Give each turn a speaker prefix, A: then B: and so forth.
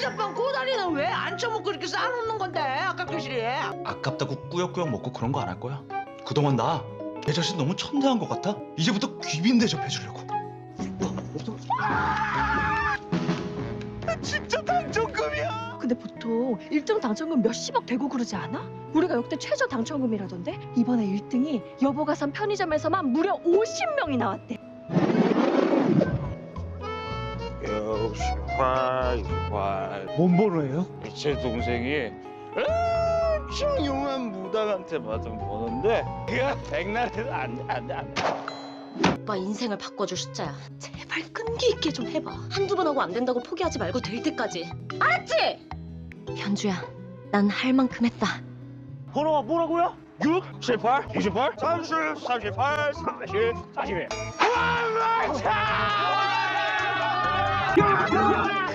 A: 어젯밤 꼬다리는 왜 안 처먹고 이렇게 쌓아놓는 건데 아깝게 시리.
B: 아깝다고 꾸역꾸역 먹고 그런 거 안 할 거야. 그동안 나 내 자신 너무 천대한 것 같아. 이제부터 귀빈 대접해주려고. 진짜 당첨금이야.
C: 근데 보통 1등 당첨금 몇십억 되고 그러지 않아? 우리가 역대 최저 당첨금이라던데? 이번에 1등이 여보가 산 편의점에서만 무려 50명이 나왔대.
D: 68.
B: 뭔 번호예요?
D: 제 동생이 엄청 용한 무당한테 받은 번호인데 그가 백날에도 안 돼.
E: 오빠 인생을 바꿔줄 숫자야. 제발 끈기 있게 좀 해봐. 한두 번 하고 안 된다고 포기하지 말고 될 때까지. 알았지? 현주야, 난 할 만큼 했다.
D: 번호가 뭐라고요? 6, 18, 28, 30, 38, 40, 41.